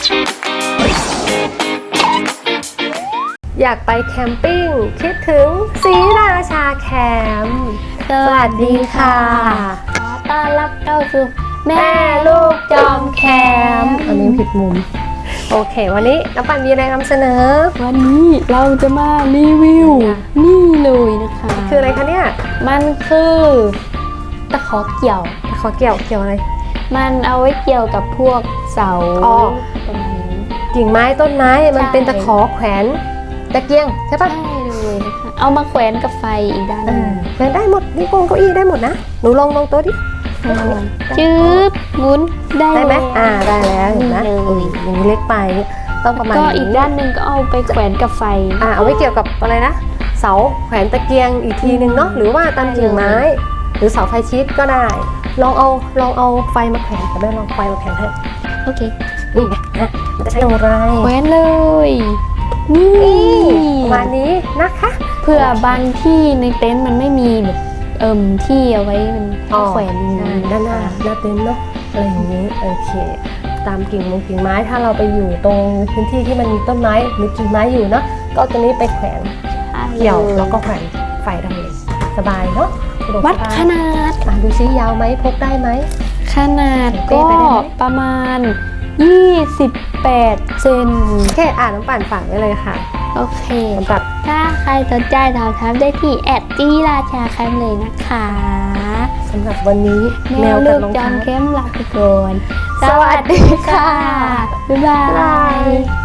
อยากไปแคมปิ้งคิดถึงศรีราชาแคมป์สวัสดีค่ะขอต้อนรับเข้าสู่แม่ลูลูกกจจออมมแคแคมมป์ป์อันนี้ผิดมุมโอเควันนี้น้ำปั่นมีอะไรนำเสนอวันนี้เราจะมารีวิวนี่เลยนะคะคืออะไรคะเนี่ยมันคือตะขอเกี่ยวขอเกี่ยวอะไรมันเอาไว้เกี่ยวกับพวกเสาอ๋อประมาณนี้กิ่งไม้ต้นไม้มันใช่เป็นตะขอแขวนตะเกียงใช่ปะใช่เลยนะคะเอามาแขวนกับไฟอีกด้านหนึงแขวนได้หมดนี่โกงเก้าอี้ได้หมดนะหนูลองตัวดิจืบหมุนได้ได้ไหมเลยได้แล้วเห็นไหมเลยอย่างนี้เล็กไปต้องประมาณก็นี้อีกด้านหนึ่งก็เอาไปแขวนกับไฟเอาไว้เกี่ยวกับอะไรนะเสาแขวนตะเกียงอีกทีนึงเนาะหรือว่าตามกิ่งไม้ หรือเสาไฟชิดก็ได้ลองเอาไฟมาแขวนแต่แม่ลองไฟมาแขวนให้โอเคนี่ไงมันจะใช้อย่างไรแขวนเลยนี่ประมาณนี้นะคะเพื่อบางที่ในเต็นท์มันไม่มีแบบที่เอาไว้มันให้แขวนอย่างนี้ด้านหน้าเต็นท์เนาะอะไรอย่างนี้โอเคตามกิ่งไม้ถ้าเราไปอยู่ตรงพื้นที่ที่มันมีต้นไม้หรือกิ่งไม้อยู่เนาะก็ตัวนี้ไปแขวนเกี่ยวแล้วก็แขวนไฟได้เลยสบายเนาะสะดกวัดสบายขนาดดูซิยาวไหมพกได้ไหมขนาดเป้ก็ไปได้ไหมประมาณ28 เซนโอเคน้ำปั่นฝากไว้เลยค่ะโอเคสำหรับถ้าใครสนใจถามถามได้ที่จีราชาแคมป์เลยนะคะสำหรับวันนี้แมวกัลูบกรองจอเท้ามแคมป์ลาไปก่อนสวัสดีค่ะ บ๊ายบาย